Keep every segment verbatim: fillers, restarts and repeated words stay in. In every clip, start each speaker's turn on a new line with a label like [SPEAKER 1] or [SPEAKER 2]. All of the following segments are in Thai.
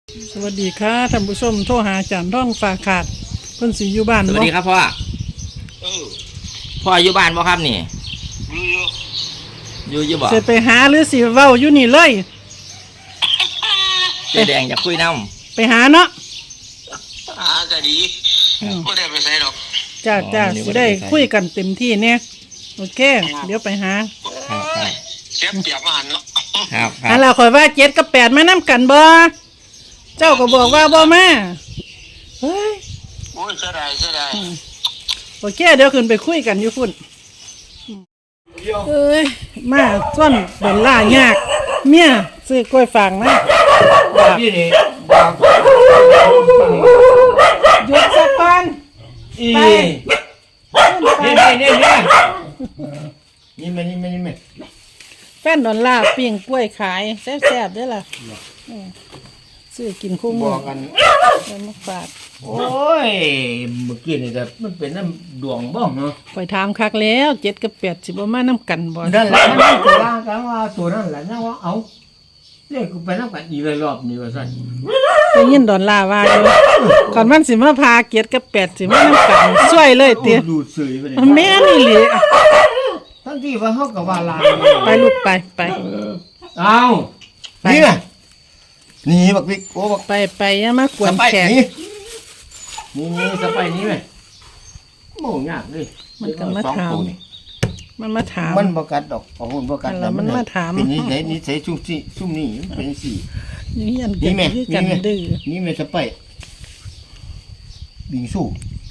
[SPEAKER 1] สวัสดีค่ะท่านผู้ชมโทรหาอาจารย์ร่องฝากขาดเพิ่นสิอยู่บ้าน
[SPEAKER 2] ส
[SPEAKER 1] บ่
[SPEAKER 2] วัสดีครับพ่อ
[SPEAKER 3] เออ
[SPEAKER 2] พ่ออยู่บ้านบ่ครับนี่
[SPEAKER 3] อยู่อยู่
[SPEAKER 2] อยู่อยู่บ่
[SPEAKER 1] สิไปหาหรือสิเว้าอยู่นี่เลย
[SPEAKER 2] เจ๊แดงอยากคุยน้
[SPEAKER 1] ไปหาเนาะ
[SPEAKER 3] หาก็ดีไม่ได้ไปใส่หรอก
[SPEAKER 1] จ้าจ้าสิได้คุยกันเต็มที่เนี่ยโอเค เดี๋ยวไปหา
[SPEAKER 2] ำครับครับ
[SPEAKER 3] เสียเปรียบมาหันเนาะ
[SPEAKER 2] ครับค
[SPEAKER 1] อั
[SPEAKER 2] รั
[SPEAKER 1] น
[SPEAKER 2] บ
[SPEAKER 1] เราคอยว่าเจ็ดกับแปดมานํกันบ่เจ้าก็บอกว่าบ่มาเฮ้ย
[SPEAKER 3] โอ้ยเสียดายเสียดาย
[SPEAKER 1] โอเคเดี๋ยวขึ้นไปคุยกันอยู่พุ่นเอ้ยมาส่วนดอลลาร์ยากเมียซื้อกล้วยฝางนะ
[SPEAKER 2] พี่นี่
[SPEAKER 1] หยุดสักก่อน
[SPEAKER 2] อี
[SPEAKER 1] ไป
[SPEAKER 2] นี่นี่นี่นี่นี่มันนี่มันนี่มัน
[SPEAKER 1] แฟนดอลลาร์ปิ้งกล้วยขายแซ่บๆเด้อล่ะอืมซื้อกินคู่มื
[SPEAKER 2] บ
[SPEAKER 1] อ
[SPEAKER 2] อกกัน
[SPEAKER 1] เอามาฝาก
[SPEAKER 2] โอ้ยเมื่อกี้นี่แต่มันเป็นน้ำดวงบ้องเนาะ
[SPEAKER 1] ข่อยถามคักแล้วเจ็ดกับแปดสิบ่มานํกันบ่
[SPEAKER 2] นั่นแหละมันตัวล่างกันว่าตัวนั่นแหละนะว่าเอาเรียกกูไปน้ำกันอีกเลยรอบนี้ว่าสั่น
[SPEAKER 1] ได้ยินดอลลาร์ว่าอยู่ก่อนมันสิมาพาเจ็ดกับแปดสิมานํกันช่วยเลยเตี้ย
[SPEAKER 2] ดูดสื่อไปเลย
[SPEAKER 1] แม่นี่หลี
[SPEAKER 2] ทั้งที่ว่าเขากับว่าลาง
[SPEAKER 1] ไปลูกไปไป
[SPEAKER 2] เอา
[SPEAKER 1] ไป
[SPEAKER 2] นี่ไงนี่บักบิ๊กโอ้บัก
[SPEAKER 1] ไปไปอย่ามากว
[SPEAKER 2] ส
[SPEAKER 1] น
[SPEAKER 2] ไป
[SPEAKER 1] แขก
[SPEAKER 2] นี่นี่นี่สไปนี่ไหมโม่ยากเลย
[SPEAKER 1] มันก็มา
[SPEAKER 2] สอง
[SPEAKER 1] ถาม
[SPEAKER 2] ตัวนี่
[SPEAKER 1] มันมาถาม
[SPEAKER 2] มันประกัดดอกของหุ่นประกัด
[SPEAKER 1] แล้วมันมาถาม
[SPEAKER 2] เป็นนิสัยนิสัยชุ่มซี่ชุ่มนี่มันเป็นสี่
[SPEAKER 1] นี่อัน
[SPEAKER 2] นี่
[SPEAKER 1] กัน
[SPEAKER 2] แม่
[SPEAKER 1] คือ
[SPEAKER 2] นี่
[SPEAKER 1] กัน
[SPEAKER 2] แม่
[SPEAKER 1] ดื้อ
[SPEAKER 2] นี่แม่สไปบิงสู้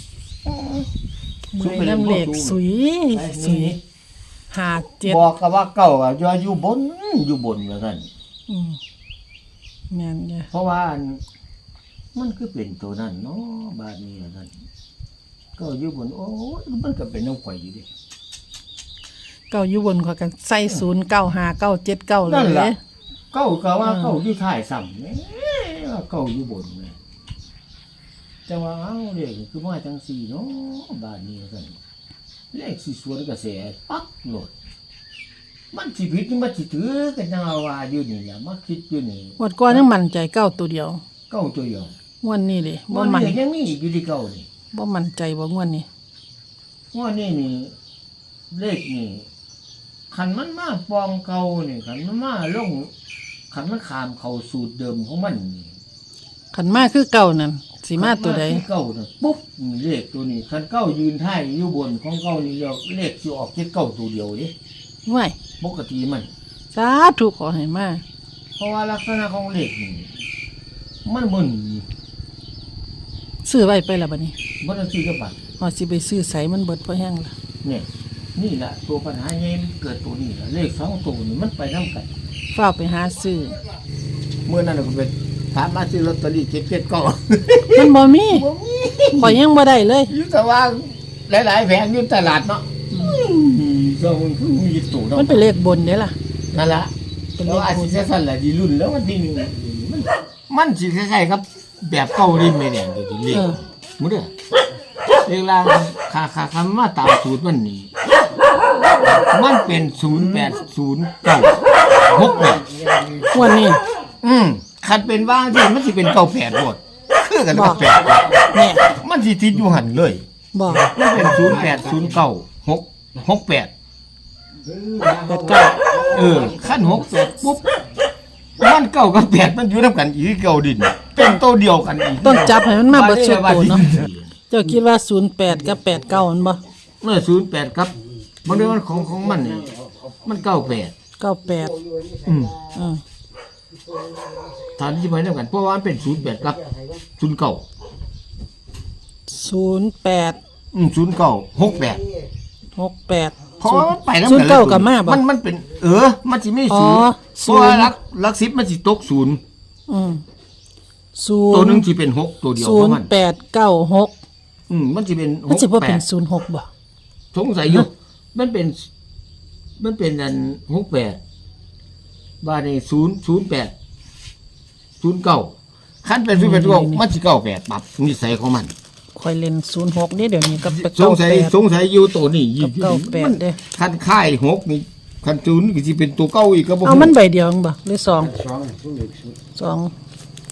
[SPEAKER 1] มือน้ำเหล็กสุยสุยหาเจ็ด
[SPEAKER 2] บอกกับว่าเก่าอ่ะอยู่อยู่บนอยู่บนว่าท่าน
[SPEAKER 1] อืมแม่นจ้ะ
[SPEAKER 2] เพราะว่าอันมันคือเป็นตัวนั้นเนาะบาดนี้ว่าท่านก็อยู่บนโอ้ยมันก็เป็นน้องข่อยอยู่ดิ
[SPEAKER 1] เก้าอยู่บนขอยกันใส่ศูนย์เก้าหาเก้าเจ็ดเก้าเล
[SPEAKER 2] นั่น
[SPEAKER 1] ย
[SPEAKER 2] ล่ะเก้าก็ว่าเก้าอยู่ท้ายซ้ำแหมว่าเก้าอยู่บนแหมแต่ว่าเอ้าเลขคือมาจังสี่เนาะบาดนี้ว่าซั่นเลขสิสวนกระแสปักโลดมันสิผิดมันสิถือกันจังว่าอยู่นี่ล่ะมาคิดอยู่นี่
[SPEAKER 1] งวดก่อนยังมั่นใจเก้าตัวเดียว
[SPEAKER 2] เก้าตัวเดียว
[SPEAKER 1] งวดนี้เลยบ่
[SPEAKER 2] มัน
[SPEAKER 1] มั่น
[SPEAKER 2] ยังมีอีกอยู่ที่เก้านี่
[SPEAKER 1] บ่มั่นใจบ่งวดนี้
[SPEAKER 2] ว่านี่นี่เลขนี่ขันมันมาปองเก่านี่ขันมันมาลงขันมันขามเข้าสูตรเดิมของมันนี่
[SPEAKER 1] ขันมาคือเก่านั่นสิมาตัวใด
[SPEAKER 2] ขันที่เก้าน่ะปุ๊บนี่เลขตัวนี้ขันเก้ายืนท้ายอยู่บนของเก้านี่เรียกเลขสิออกที่เก้าตัวเดียวดิ
[SPEAKER 1] ว้าย
[SPEAKER 2] ปกติมัน
[SPEAKER 1] สาธุขอให้มา
[SPEAKER 2] เพราะว่าลักษณะของเลขนี่มันมึน
[SPEAKER 1] ซื้อไว้ไปแล้วบัดนี้
[SPEAKER 2] มันต้องซื้อกับบัตร
[SPEAKER 1] พอสิไปซื้อใสมันเบิดพอแห้งละ
[SPEAKER 2] เนี่ยนี่แหละตัวปัญหาใหญ่มันเกิดตัวนี้แหละเลขสองตัวนี่มันไปน้ำกัน
[SPEAKER 1] ฝ้าวไปหาซื้อ
[SPEAKER 2] เมื่อนั้นเราก็ไปถามมาซื้อลอตเตอรี่เจ็ดเจ็ดเก้า
[SPEAKER 1] มันบ่มีข่อยยังบ่ได้เลย
[SPEAKER 2] อยู่แต่ว่าหลายๆแผงอยู่ตลาดเนาะก็มันคือมีตู่เนาะ
[SPEAKER 1] มันเป็นเลขบนเด้ล่ะ
[SPEAKER 2] นั่นละ
[SPEAKER 1] เป็น
[SPEAKER 2] แล้
[SPEAKER 1] เล
[SPEAKER 2] ว
[SPEAKER 1] ข
[SPEAKER 2] อาจ
[SPEAKER 1] บน
[SPEAKER 2] จะสั่นแหละดีรุ่นแล้ววันที่หนึ่งมันมันสิคล้ายๆครับแบบเก่าดินไม่แดงตัวที่เรียกมุ้งเด้อเรียกลางคาคาคำว่าตามสูตรมันนี่มันเป็นศูนย์แปดศูนย์เก้าหกแปด
[SPEAKER 1] งวดนี้
[SPEAKER 2] อืมคันเป็นว่างที่มันสิเป็นเก้าแปดหมดคือกันกับแปด
[SPEAKER 1] แน่
[SPEAKER 2] มันสิติดอยู่หันเลย
[SPEAKER 1] บอก
[SPEAKER 2] มันเป็นศูนย์แปดศูนย์เก้าหกหกแปด
[SPEAKER 1] แปดเก้า
[SPEAKER 2] เออขั้นหกแปดปุ๊บมันเก้ากับแปดมันอยู่น้ำกันอีกเก้าดิน เป็นโตวเดียวกันอีก
[SPEAKER 1] ต้องจับให้มันมาเบิดสุดโตเนาะเจ้าคิดว่าศูนย์แปดกับแปดเก้ามันบ่
[SPEAKER 2] เมื่อศูนย์แปดครับมันเรื่องของของมันนี่มันเก้าแปด
[SPEAKER 1] เก้าแปด
[SPEAKER 2] อืม
[SPEAKER 1] อืม
[SPEAKER 2] ฐานที่ไปน้ำกันเพราะว่ามันเป็นศูนย์แปดครับศูนย์เก้า
[SPEAKER 1] ศูนย์แปด
[SPEAKER 2] อืมศูนย์เก้าหกแปด
[SPEAKER 1] หกแปด
[SPEAKER 2] เพราะว่ามันไปน้ำ
[SPEAKER 1] ศู
[SPEAKER 2] กัน น
[SPEAKER 1] ย์เก้ากับมาบ่
[SPEAKER 2] มันมันเป็น เออ มันสิไม่
[SPEAKER 1] อ๋อ
[SPEAKER 2] ศูนย์เพราะว่า
[SPEAKER 1] ศูนย์
[SPEAKER 2] ลักลักสิบมันสิตกศูนย์
[SPEAKER 1] อืมศู
[SPEAKER 2] ตัวน หนึ่ง
[SPEAKER 1] ย์
[SPEAKER 2] สิเป็นหกตัวเดียว
[SPEAKER 1] ศู
[SPEAKER 2] เพ
[SPEAKER 1] น
[SPEAKER 2] ราะ
[SPEAKER 1] ย์
[SPEAKER 2] มัน
[SPEAKER 1] แปดเก้าหก
[SPEAKER 2] อืมมันสิเป็นห
[SPEAKER 1] มัน
[SPEAKER 2] ก
[SPEAKER 1] สิบ่
[SPEAKER 2] แป
[SPEAKER 1] เป็น
[SPEAKER 2] ด
[SPEAKER 1] ศูนย์หกบ่
[SPEAKER 2] สงสัยอยู่ มันเป็น มันเป็นอันหกแปดบาทนี่ศูนย์ศูนย์แปดศูนย์เก้าขั้นเป็นศูนย์แปดเก้ามันสิเก้าแปดปรับนิสัยของมัน
[SPEAKER 1] คอยเล่นศูนย์หกนี่เดี๋ยวนี้กับ
[SPEAKER 2] ส
[SPEAKER 1] เก้าง
[SPEAKER 2] สัย
[SPEAKER 1] แปด
[SPEAKER 2] สงสัยอยู่ตัวนี้ยี่
[SPEAKER 1] กับเก้าแปดเด้
[SPEAKER 2] ขั้นค่ายหกนี่ขั้นศูนย์ก็สิเป็นตัวเก้าอีกก็บ่
[SPEAKER 1] เอามันใบเดียวเองบ่หรือสองสอง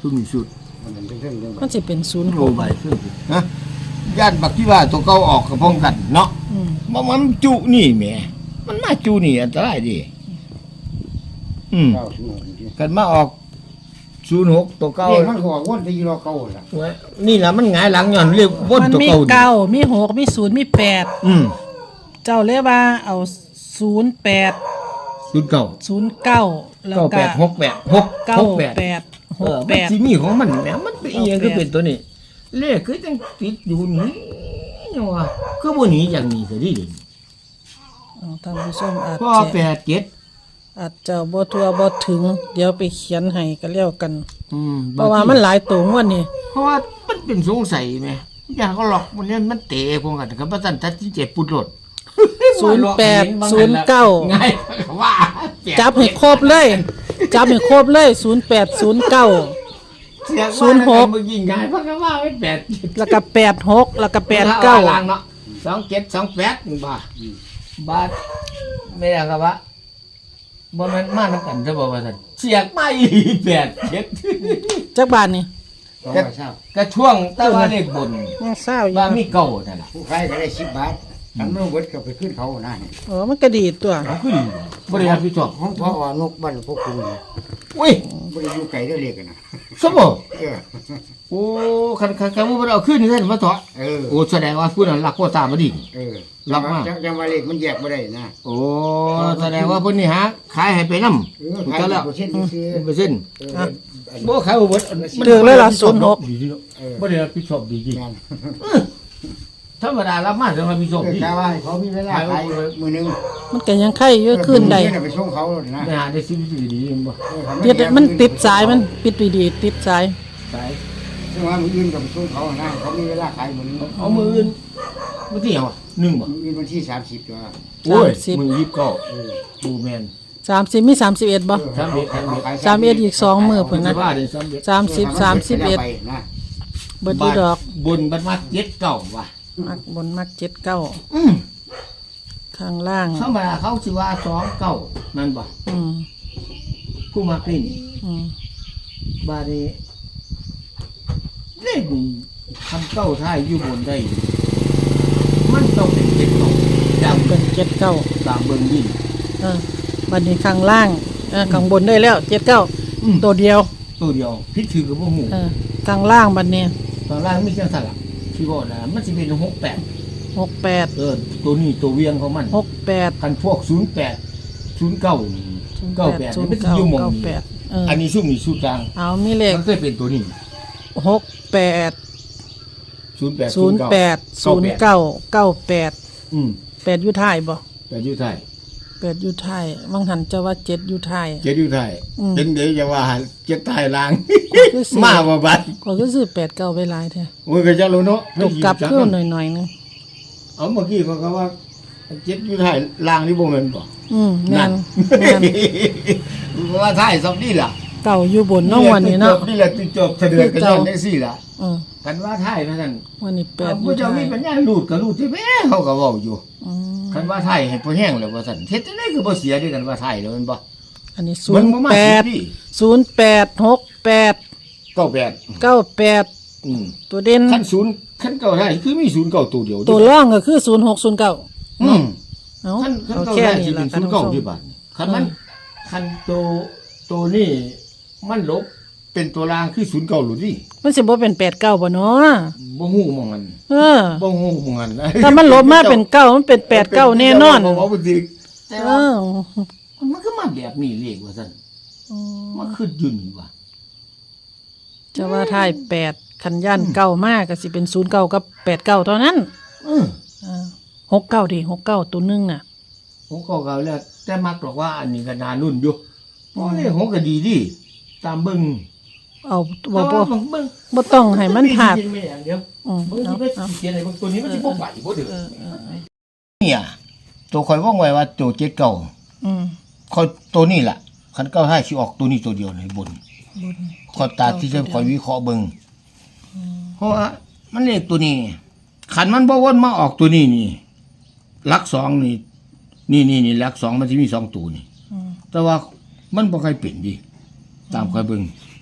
[SPEAKER 2] ซุ่มนี่สุด
[SPEAKER 1] มันสิเป็นศูนย์ห
[SPEAKER 2] โอ้
[SPEAKER 1] ก
[SPEAKER 2] ใบซุ่มฮะย่านบักที่ว่าตัวเก่าออกกับพ้องกันเนาะ
[SPEAKER 1] อืม
[SPEAKER 2] มันมันจุนี่แหมมันมาจุนี่อันตรายดิอืมกันมาออกศูนย์หกตัวเก่า
[SPEAKER 4] เรียกมันก็วนที่รอเก่าล่ะ
[SPEAKER 2] ไว้นี่ล่ะมันหงายหลังย้อนเรียกวน
[SPEAKER 1] มัน
[SPEAKER 2] ตัว
[SPEAKER 1] มี
[SPEAKER 2] เก่าดิ
[SPEAKER 1] เก้ามีหกมีศูนย์มีแปด
[SPEAKER 2] อืม
[SPEAKER 1] เจ้าเรียกว่าเอาศูนย์แปด
[SPEAKER 2] ศูนย์เก่า
[SPEAKER 1] ศูนย์เก้าแล้ว
[SPEAKER 2] เก้า
[SPEAKER 1] ก็
[SPEAKER 2] แปดหกแปดหก
[SPEAKER 1] เก้า
[SPEAKER 2] หกแปด
[SPEAKER 1] แปดห
[SPEAKER 2] เอก อ
[SPEAKER 1] แป
[SPEAKER 2] มัน
[SPEAKER 1] ด
[SPEAKER 2] สิมีของมันแหมมันเป็นอีหยัง
[SPEAKER 1] เก้าแปด
[SPEAKER 2] คือเป็นตัวนี้ เลขคือจังติดอยู่นี่ยังว่าคือบ่หนีอย่างนี้ซะดิ
[SPEAKER 1] เอาท่านผู้ชมอาจ
[SPEAKER 2] พ่อ
[SPEAKER 1] จะ
[SPEAKER 2] แปดเจ็ด
[SPEAKER 1] อาจจะบ่ทัวบ่ถึง เดี๋ยวไปเขียนให้ก็แล้วกัน
[SPEAKER 2] อืม
[SPEAKER 1] เพราะว่ามันหลายตัวงวดนี่
[SPEAKER 2] เพราะว่ามันเป็นสงสัยแหมอย่างก็หลอกมันเนี่ยมันเตะพวกกันกับว่าซั่นตัดสินใจปุดรถ
[SPEAKER 1] ศูนย์แปดศูนย์เก้า
[SPEAKER 2] ง่ายว่าแปด
[SPEAKER 1] จับให้ครบเลย จับให้ครบเลยศูนย์แปดศูนย์เก้า
[SPEAKER 2] เสียง
[SPEAKER 1] ศูนย์หก
[SPEAKER 2] มึงยิงง่ายเพราะว่าไม่แปด
[SPEAKER 1] แล้วก็แปดหกแล้วก็แปดเก้า
[SPEAKER 2] อล่งเนาะสองเจ็ดสองแปดบาทบาทไม่ได้ครับว่าบ่แม่นมานํกันซะบ่ว่าซั่นเสียกมาอีแปดเจ็ด
[SPEAKER 1] จักบาทนี่
[SPEAKER 4] สอง
[SPEAKER 2] ก็
[SPEAKER 4] ร้อยเศร้า
[SPEAKER 2] ก็ช่วงแต่ว่าเลขบน
[SPEAKER 1] ยังเศร้าอยู่
[SPEAKER 2] ว่ามีเก่านั่นล่ะ
[SPEAKER 4] ผู้ขายก็ได้สิบบาททำโน้ตเบิดก็ไปขึ้นเขาหน้านี่
[SPEAKER 1] โอ้มันก็ดีตัว
[SPEAKER 2] เขาคือดีบ่ได้รับผิดชอบ
[SPEAKER 4] ของพ่ออ่อนกบ้านพวกคุณนี่
[SPEAKER 2] อุ้ย
[SPEAKER 4] บ่ได้อยู่ไกลได้อเรียกกันนะ
[SPEAKER 2] สมบ่
[SPEAKER 4] เออ
[SPEAKER 2] โอ้คันคันคันบ่เอาขึ้นนี่ซั่นมาเถาะ
[SPEAKER 4] เออ
[SPEAKER 2] โอ้แสดงว่าผู้นั้นรักโคตาบ่ดี
[SPEAKER 4] เออ
[SPEAKER 2] รับมา
[SPEAKER 4] จังจังว่าเลขมันแยกบ่ได้นะ
[SPEAKER 2] โอ้แสดงว่าเพิ่นนี่หาขายให้ไปนำ
[SPEAKER 4] เออขาย
[SPEAKER 2] ก็แล้ว
[SPEAKER 4] เปอร์เซ็นต์ซื้อ
[SPEAKER 2] เปอร์เซ็นต์
[SPEAKER 4] เอออัน
[SPEAKER 2] บ่ขายบ่เบิด
[SPEAKER 1] เดือกเลยล่ะศูนย์หก
[SPEAKER 2] ดีๆเนาะ
[SPEAKER 4] เออ
[SPEAKER 2] บ่ได้รับผิดชอบดีจริง
[SPEAKER 4] งาน
[SPEAKER 2] ธรรมดารับมาจะมาผิดชอบ
[SPEAKER 4] เออ
[SPEAKER 2] ดี
[SPEAKER 4] กะว่าให้เขามีเวลาขายมือหนึง
[SPEAKER 1] มันก็ยังไข่เยอะขึ้นได้
[SPEAKER 4] เออไปส่งเขาเลยนะ
[SPEAKER 2] ไปหาได้สิ่งที่ดีๆบ่
[SPEAKER 4] เออ
[SPEAKER 1] ติดมันติดสายมันปิดไปดีติดสาย
[SPEAKER 2] ไป
[SPEAKER 4] ซึ่งว่ามืออื่นก็ไปส่งเขานะเขามีเวลาขายมือหนึง
[SPEAKER 2] เอามืออื่นมื้อที่หยังวะหนึ่งบ่
[SPEAKER 4] มืออื่นวันที่สามสิบจ้ะ
[SPEAKER 2] โอ้ย
[SPEAKER 1] สามสิบ
[SPEAKER 2] มือยี่สิบเก้า
[SPEAKER 4] เออ
[SPEAKER 2] ดูแม่น
[SPEAKER 1] สามสิบมีสามสิบเอ็ดบ่
[SPEAKER 2] สามเอ็ดสามเอ็ด
[SPEAKER 1] สามเอ็ดอีกสองมื้อพุ่น
[SPEAKER 2] นะ
[SPEAKER 1] นะ
[SPEAKER 2] ว่าได้สามเอ็ด
[SPEAKER 1] สามสิบสามสิบเอ็ด
[SPEAKER 4] ไปนะ
[SPEAKER 1] เบิดดีดอก
[SPEAKER 2] บนบัดมาเจ็ดเก้าว่ะ
[SPEAKER 1] มักบนมักเจ็ดเก้า
[SPEAKER 2] อืม
[SPEAKER 1] ข้างล่าง
[SPEAKER 2] ธรรมดาเขาสิว่าสองเก้านั่นบ่
[SPEAKER 1] อืม
[SPEAKER 2] ผู้มาเป็น
[SPEAKER 1] อืม
[SPEAKER 2] บาดนี้เลขนี่คำเก้าท้ายอยู่บนได้ มันต้องเป็นเจ็ดเก้าตาม
[SPEAKER 1] เป็นเจ็ดเก้า
[SPEAKER 2] ตามเบิ่งดิ
[SPEAKER 1] เออบัดนี้ข้างล่างเออข้างบนได้แล้วเจ็ดเก้า
[SPEAKER 2] อืม
[SPEAKER 1] ตัวเดียว
[SPEAKER 2] ตัวเดียวพิษถือกับพวกหมู
[SPEAKER 1] เออข้างล่างบัดนี้
[SPEAKER 2] ตอนแรกไม่ใช่สลับที่บอกนะมันจะเป็นหกแปด
[SPEAKER 1] หกแปด
[SPEAKER 2] เออตัวนี้ตัวเวียงของมัน
[SPEAKER 1] หกแปด
[SPEAKER 2] กันพวกศูนย์แปดศูนย์เก้าเก้าแปด
[SPEAKER 1] ศูน
[SPEAKER 2] มัน
[SPEAKER 1] ย์
[SPEAKER 2] จะ
[SPEAKER 1] เก้า
[SPEAKER 2] อยู่หมอง
[SPEAKER 1] เก้า
[SPEAKER 2] นี้
[SPEAKER 1] แปดเออ
[SPEAKER 2] อันนี้ซุ่มนี่สูตรกลาง
[SPEAKER 1] เอามีเลข
[SPEAKER 2] มันเคยเป็นตัวนี้
[SPEAKER 1] หกแปด
[SPEAKER 2] ศูนย์แปด
[SPEAKER 1] ศูนย์แปดศูนย์เก้าเก้าแปด
[SPEAKER 2] อืม
[SPEAKER 1] แปดอยู่ท้ายบ่
[SPEAKER 2] แปดอยู่ไทย
[SPEAKER 1] แปดอยู่ท้ายบางหันจะว่าเจ็ดอยู่ท้าย
[SPEAKER 2] เจ็ดอยู่ไทย
[SPEAKER 1] อืม
[SPEAKER 2] เป็นเดี๋ยวจะว่าเจ็ดไทยล้าง
[SPEAKER 1] คือสิ
[SPEAKER 2] มาบ่บัด
[SPEAKER 1] ก็คือซื้อแปดเก้าไปหลายแท้
[SPEAKER 2] โอ้ยก็จะรู้เนาะ
[SPEAKER 1] ตกกลับขึ้นหน่อยๆนึง
[SPEAKER 2] เอาเมื่อกี้เขาก็ว่าเจ็ดอยู่ไทยล้างนี่บ่แม่นบ่
[SPEAKER 1] อืมแม่นแม่น
[SPEAKER 2] ว่าไทยสองนี่ล่ะ
[SPEAKER 1] เก่าอยู่บนเน้องวันนี้เนาะ
[SPEAKER 2] นี่แหละจุดจบเสด็จกันย้อนได้สิล่ะ
[SPEAKER 1] อืม
[SPEAKER 2] กันว่าไทยนะท่าน
[SPEAKER 1] วันนี้แป
[SPEAKER 2] แต่
[SPEAKER 1] ดอ
[SPEAKER 2] ผู้
[SPEAKER 1] ยู่
[SPEAKER 2] เจ้า
[SPEAKER 1] ท้า
[SPEAKER 2] มี
[SPEAKER 1] ย
[SPEAKER 2] ปัญญาลูดก็ลูดที่แม่เขาก็เว้าอยู่
[SPEAKER 1] อืม
[SPEAKER 2] กันว่าไทยให้พอแห้งแล้วว่าซั่นเฮ็ดจังได๋คือบ่เสียด้วยกันว่าไทยแล้วแม่นบ่
[SPEAKER 1] อันนี้ศู
[SPEAKER 2] มัน
[SPEAKER 1] นย์
[SPEAKER 2] บ่มา
[SPEAKER 1] แป
[SPEAKER 2] สิ
[SPEAKER 1] ด
[SPEAKER 2] พี่
[SPEAKER 1] ศูนย์แปดหกแปด
[SPEAKER 2] เก้าแปด
[SPEAKER 1] เก้าแปด
[SPEAKER 2] อืม
[SPEAKER 1] ตัวเด่น
[SPEAKER 2] คันศูนย์คันเก้าไทยคือมีศูนย์เก้าตัวเดียว
[SPEAKER 1] ตัวร่องก็คือศูนย์หกศูนย์เก้า
[SPEAKER 2] อืม
[SPEAKER 1] เอา
[SPEAKER 2] คันคัน
[SPEAKER 1] เอา
[SPEAKER 2] เก้า
[SPEAKER 1] แค่
[SPEAKER 2] ไทย
[SPEAKER 1] นี้
[SPEAKER 2] สิ
[SPEAKER 1] ละ
[SPEAKER 2] เป็น
[SPEAKER 1] ท่า
[SPEAKER 2] ศู
[SPEAKER 1] น
[SPEAKER 2] นย์
[SPEAKER 1] ผู้
[SPEAKER 2] เก้า
[SPEAKER 1] ชม
[SPEAKER 2] ที่บ้านคันมันคันตัวตัวนี้มันลบเป็นตัวรางคือศูนย์เก้าหรือดิ
[SPEAKER 1] มันสิบ่เป็นแปดเก้าบ่เนาะ
[SPEAKER 2] บ่ฮู้หมองมัน
[SPEAKER 1] เออ
[SPEAKER 2] บ่ฮู้หมองมัน
[SPEAKER 1] ถ้ามันลบมาเป็นเก้ามันเป็นแปดเก้าแน่นอน
[SPEAKER 2] บ่บ่บ่สิแต่
[SPEAKER 1] เอ
[SPEAKER 2] ว่า
[SPEAKER 1] อ
[SPEAKER 2] มันก็มาแบบนี้เลขว่าซั่นมันคือยุ่นว่า
[SPEAKER 1] จะว่าท้ายแปดคันย่านเก้ามากก็สิเป็นศูนย์เก้ากับแปดเก้าเท่านั้น
[SPEAKER 2] เออ
[SPEAKER 1] เออหกเก้าดิหกเก้าตัวหนึงน่ะ
[SPEAKER 2] ผมก็เก่าแล้วแต่มักบอกว่าอันนี้ก็นารุ่นอยู่เพราะเลขของก็ดีดิตามเบิ่ง
[SPEAKER 1] เอาบ่
[SPEAKER 2] แต่
[SPEAKER 1] บ่
[SPEAKER 2] ว่าเบิ่ง
[SPEAKER 1] บ่ต้องให้มันพลาด
[SPEAKER 2] เขียนไม่อย่างเดียว
[SPEAKER 1] อืม
[SPEAKER 2] เบิ่ง
[SPEAKER 1] เอา
[SPEAKER 2] ที่
[SPEAKER 1] เอา
[SPEAKER 2] เขียนอะไรบางตัวนี้มันสิบ่ไหวบ่ถึง
[SPEAKER 1] เออเออเออ
[SPEAKER 2] เนี่ยตัวข่อยว่องไว้ว่าตัวเจ็ดเก่า
[SPEAKER 1] อืม
[SPEAKER 2] ข่อยตัวนี้ล่ะคันเก้าให้สิออกตัวนี้ตัวเดียวในบน
[SPEAKER 1] บน
[SPEAKER 2] ขอยตาที่จะข่อยวิเคราะห์เบิ่งเพราะว่ามันเลขตัวนี้คันมันบ่วนมาออกตัวนี้นี่หลักสองนี่นี่นี่นี่หลักสองมันสิมีสองตัวนี่
[SPEAKER 1] อืม
[SPEAKER 2] แต่ว่ามันบ่ค่อยเป็นดิตามค่อยเบิ่ง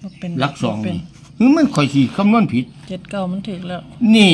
[SPEAKER 1] บ่เป็น
[SPEAKER 2] หลักสอง
[SPEAKER 1] บ่เป็น
[SPEAKER 2] นี่คือมันข่อยสิคำนวณผิด
[SPEAKER 1] เจ็ดเก้ามันถึกแล้ว
[SPEAKER 2] นี่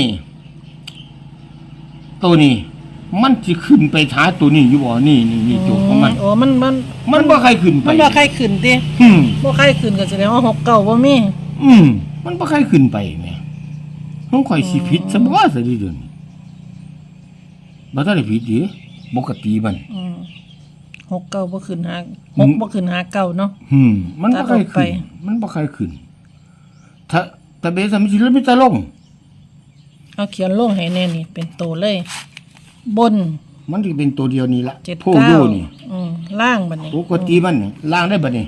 [SPEAKER 2] ตัวนี้ มันสิขึ้นไปหาตัวนี้อยู่บ่นี่นี่นี่ตัวของมัน
[SPEAKER 1] โอ้มันมัน
[SPEAKER 2] มันบ่ใครขึ้นไป
[SPEAKER 1] มันบ่ใครขึ้นติ
[SPEAKER 2] อืม
[SPEAKER 1] บ่ใครขึ้นก็แสดงว่าหกเก้าบ่มี
[SPEAKER 2] อืมมันบ่ใครขึ้นไปแหม่ของข่อยสิผิดซะบ่ซะดิเดี๋ยวนี้บ่ทันได้ผิดดิปกติมัน
[SPEAKER 1] อืมหกเก้าบ่ขึ้นหาหกบ่ขึ้นหาเก้าเนาะ
[SPEAKER 2] อืมมันบ่ใคร
[SPEAKER 1] ตัดออกไป
[SPEAKER 2] ขึ้นมันบ่ใครขึ้น ถ้าถ้าเบสมันสิลดมีแต่ลง
[SPEAKER 1] เอาเขียนลงให้แน่นี่เป็นโตเลย บน
[SPEAKER 2] มันสิเป็นตัวเดียวนี้ละ
[SPEAKER 1] เจ็ด
[SPEAKER 2] โพ
[SPEAKER 1] เก้า
[SPEAKER 2] โยนี่
[SPEAKER 1] อืมล่างบัดนี้
[SPEAKER 2] ปกติมันนี่ล่างได้บัดนี้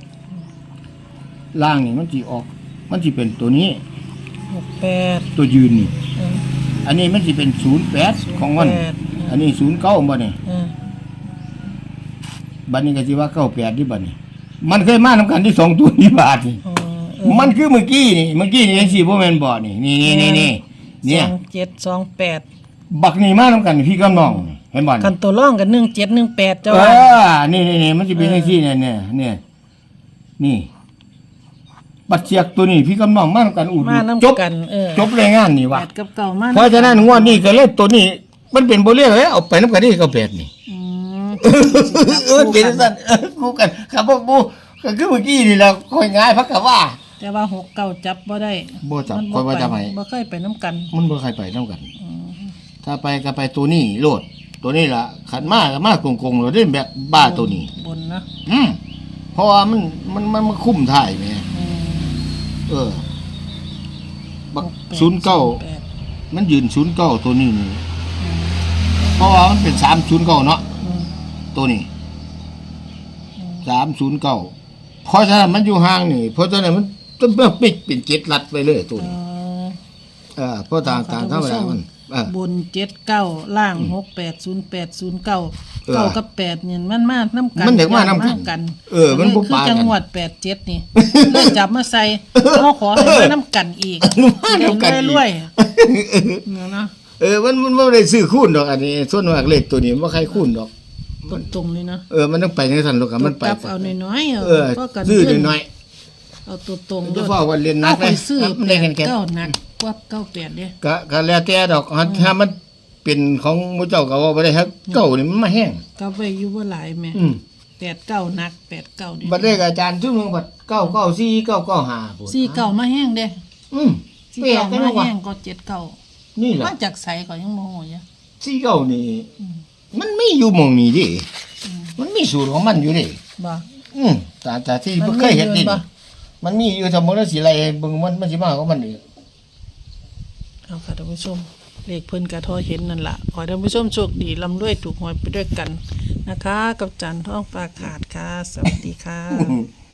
[SPEAKER 2] ล่างนี่มันสิออก มันสิเป็นตัวนี้
[SPEAKER 1] หกแปด
[SPEAKER 2] ตัวยืนนี่
[SPEAKER 1] อืม
[SPEAKER 2] อันนี้มันสิเป็นศูนย์แปดของมัน
[SPEAKER 1] แปด
[SPEAKER 2] อันนี้ศูนย์เก้าบ่นี่
[SPEAKER 1] อืม
[SPEAKER 2] บัดนี้ก็สิว่าเก้าแปดที่บัดนี้ มันเคยมานํกันที่สองตัวนี้บาทนี่
[SPEAKER 1] อืมเออ
[SPEAKER 2] มันคือเมื่อกี้นี่เมื่อกี้นี่จังซี่บ่แม่นบ่นี่นี่นี่นี่นี่เนี่ย
[SPEAKER 1] สองเจ็ดสองแปด
[SPEAKER 2] บักนี่มานํกันพี่กับน้องนี่เห็นบ่นี่
[SPEAKER 1] คันตัวร่องกันหนึ่งเจ็ดหนึ่งแปดเจ้า
[SPEAKER 2] เอ
[SPEAKER 1] ว่า
[SPEAKER 2] อนี่นี่นี่มันสิเป็นจังซี่เนี่ยเนี่ยเนี่ยนี่ บัดเสียกตัวนี้พี่กับน้องมานํกันอูด
[SPEAKER 1] มาน้ำ
[SPEAKER 2] จบ
[SPEAKER 1] กันเออ
[SPEAKER 2] จบรายงานนี่
[SPEAKER 1] แป
[SPEAKER 2] ว่ะ
[SPEAKER 1] ดกับเก่ามา
[SPEAKER 2] เพราะฉะนั้นงวดนี้ก็เลยตัวนี้ มันเป็นบ่เรียกเลยเอาไปนํกันนี่ก็แปดนี่
[SPEAKER 1] อืม
[SPEAKER 2] เออเป็นสั่นเออกูกันครับพวกกูก็คือเมื่อกี้นี่แหละค่อยง่ายพักกะว่า
[SPEAKER 1] แต่ว่าหกเก้าจับบ่ได้
[SPEAKER 2] บ่จับ
[SPEAKER 1] มัน
[SPEAKER 2] ค่อยว่าจับให้
[SPEAKER 1] บ่เคยไปน้ำกัน
[SPEAKER 2] มันบ่ใครไปนํกัน ถ้าไปก็ไปตัวนี้โลด ตัวนี้ล่ะขันมาก็มากงๆเราเล่นแบบบ้าตัวนี้
[SPEAKER 1] บนนะ
[SPEAKER 2] อืมเพราะว่ามันมันมันมันคุ้มถ่ายแหม่
[SPEAKER 1] อืม
[SPEAKER 2] เออ บัก
[SPEAKER 1] หแปด
[SPEAKER 2] ศูนย์เก้า
[SPEAKER 1] แปด
[SPEAKER 2] มันยืนศูนย์เก้าตัวนี้นี่เพราะว่ามันเป็นสามศูนย์เก้าเนาะ
[SPEAKER 1] อืม
[SPEAKER 2] ตัวนี้สามศูนย์เก้าเพราะฉะนั้นมันอยู่ห่างนี่ เพราะฉะนั้นมันต้องเบิ่งปิดเป็นเจ็ดลัดไปเลยตัว
[SPEAKER 1] เอ
[SPEAKER 2] นี้
[SPEAKER 1] อ
[SPEAKER 2] เออเพราะทางทางธรรมดามันเออบ
[SPEAKER 1] นเจ็ดเก้าล่างหกแปดศูนย์แปดศูนย์เก้า
[SPEAKER 2] เออ
[SPEAKER 1] เก้ากับแปดเนี่ยมันมาน้ำกัน
[SPEAKER 2] มันเด็กมานำกัน
[SPEAKER 1] กัน
[SPEAKER 2] เออมันบ่
[SPEAKER 1] คือ
[SPEAKER 2] ปากัน
[SPEAKER 1] จังหวัดแปดเจ็ดนี่เลยจับมาใส่เขาขอให้มาน้ำกันอีก
[SPEAKER 2] มาน้ำกันอีก
[SPEAKER 1] รวยๆเนาะเนาะ
[SPEAKER 2] เออมันมันไม่ได้ซื้อคูณดอกอันนี้ ส่วนมากเลขตัวนี้ไม่ใครคูณดอก
[SPEAKER 1] ตรงๆเลยนะ
[SPEAKER 2] เออมันต้องไปในสันโลกอะมันไป
[SPEAKER 1] จับเอาน้อยๆ
[SPEAKER 2] เออ
[SPEAKER 1] ก็กัน
[SPEAKER 2] ซื้อน้อย
[SPEAKER 1] เอาตัวตรง
[SPEAKER 2] ๆจะฟ้าวันเรียนนั
[SPEAKER 1] เอา
[SPEAKER 2] ก
[SPEAKER 1] ไป
[SPEAKER 2] เลย
[SPEAKER 1] ซื้อ
[SPEAKER 2] มัน
[SPEAKER 1] แป
[SPEAKER 2] ได้
[SPEAKER 1] ด
[SPEAKER 2] เงินแค่
[SPEAKER 1] เก้าหนักกว่าเก้าแปดเด้
[SPEAKER 2] ก็ก็แล้วแต่ดอกถ้ามันเป็นของหมูเจ้าก็ว่าบ่ได้ครับเก่านี่มันมาแห้ง
[SPEAKER 1] ก็ไปอยู่บ่หลายแม่
[SPEAKER 2] อืม
[SPEAKER 1] แปดเก้าหนักแปดเก้าเด้
[SPEAKER 2] บัดเลขอาจารย์ทุกเมืองบัดเก้าเก้าสี่เก้าเก้าห้าพุ่น
[SPEAKER 1] สี่เก้ามาแห้งเด้
[SPEAKER 2] อืม
[SPEAKER 1] สี่
[SPEAKER 2] เปรีย
[SPEAKER 1] เก้า
[SPEAKER 2] บกัน
[SPEAKER 1] มา
[SPEAKER 2] ว่า
[SPEAKER 1] แห้งก็เจ็ดเก้า
[SPEAKER 2] นี่แหละ
[SPEAKER 1] มาจากไสก็ยังโมโหอยู่
[SPEAKER 2] สี่เก้านี่ มันมีอยู่หม่องนี้ดิมันมีสูตรของมันอยู่ดิ
[SPEAKER 1] บ่
[SPEAKER 2] อืมแต่แต่ที่
[SPEAKER 1] มัน
[SPEAKER 2] บ่เคยเห็น
[SPEAKER 1] มี
[SPEAKER 2] ดิ
[SPEAKER 1] อยู่บ่
[SPEAKER 2] มันมีอยู่ทำบ่ได้สิไรเบิ่งมันมันสิมาของมันอีก
[SPEAKER 1] เอาค่ะท่านผู้ชมเลขเพิ่นกระทอเห็นนั่นล่ะขอให้ท่านผู้ชมโชคดีร่ำรวยถูกหวยไปด้วยกันนะคะ กับจันทร์ท้องฟ้าขาดค่ะ สวัสดีค่ะ